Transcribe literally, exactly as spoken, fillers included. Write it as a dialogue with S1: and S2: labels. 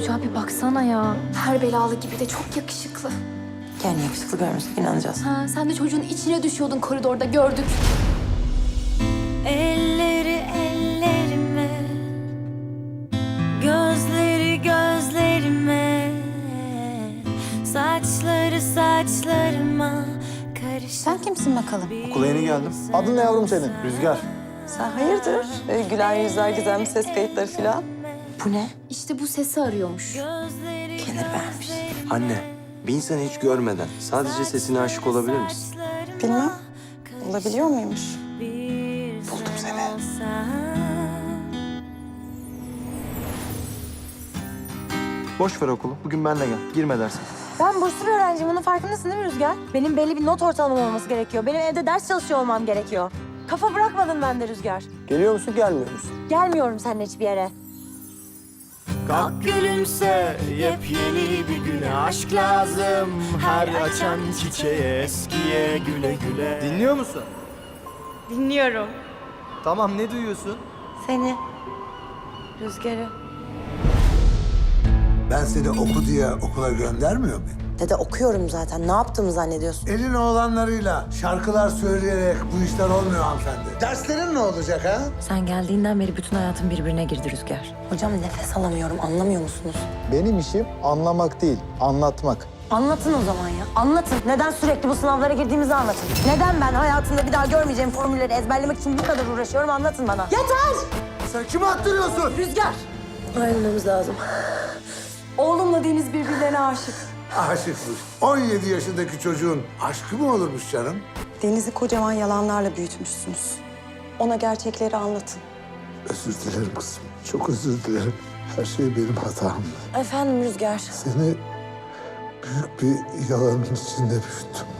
S1: çocuğa bir baksana ya. Her belalı gibi de çok yakışıklı.
S2: Yani yakışıklı görmüşsek inanacağız.
S1: Ha, sen de çocuğun içine düşüyordun koridorda gördük.
S3: Elleri ellerime, gözleri gözlerime, saçları saçlarıma karışık.
S2: Sen kimsin bakalım?
S4: Okula yeni geldim.
S5: Adın ne yavrum senin?
S4: Rüzgar.
S2: Sen hayırdır? Ee, güler yüzler, gizemli ses kayıtları falan. Bu ne?
S1: İşte bu sesi arıyormuş.
S2: Kenir vermiş.
S4: Anne, bir insanı hiç görmeden sadece sesine aşık olabilir misin?
S2: Bilmem. Olabiliyor muymuş?
S4: Buldum seni. Boş ver okulu. Bugün benle gel. Girme dersin.
S6: Ben burslu bir öğrenciyim. Bunun farkındasın değil mi Rüzgar? Benim belli bir not ortalamam olması gerekiyor. Benim evde ders çalışıyor olmam gerekiyor. Kafa bırakmadın bende Rüzgar.
S5: Geliyor musun, gelmiyor musun?
S6: Gelmiyorum seninle hiçbir yere.
S7: Kalk gülümse, yepyeni bir güne aşk lazım. Her açan çiçeğe, eskiye güle güle. Dinliyor musun?
S6: Dinliyorum.
S7: Tamam, ne duyuyorsun?
S6: Seni. Rüzgar'ı.
S8: Ben seni oku diye okula göndermiyor muyum?
S2: Dede okuyorum zaten. Ne yaptığımı zannediyorsun?
S8: Elin oğlanlarıyla şarkılar söyleyerek bu işler olmuyor hanımefendi. Derslerin ne olacak ha?
S2: Sen geldiğinden beri bütün hayatım birbirine girdi Rüzgar. Hocam nefes alamıyorum. Anlamıyor musunuz?
S5: Benim işim anlamak değil, anlatmak.
S6: Anlatın o zaman ya. Anlatın. Neden sürekli bu sınavlara girdiğimizi anlatın. Neden ben hayatımda bir daha görmeyeceğim formülleri ezberlemek için bu kadar uğraşıyorum anlatın bana. Yeter!
S8: Sen kimi attırıyorsun?
S6: Rüzgar!
S2: Ayrılmamız lazım.
S6: Oğlumla Deniz birbirlerine aşık.
S8: Aşıkmış. on yedi yaşındaki çocuğun aşkı mı olurmuş canım?
S2: Deniz'i kocaman yalanlarla büyütmüşsünüz. Ona gerçekleri anlatın.
S8: Özür dilerim kızım. Çok özür dilerim. Her şey benim hatamdı.
S2: Efendim Rüzgar.
S8: Seni büyük bir yalanın içinde büyüttüm.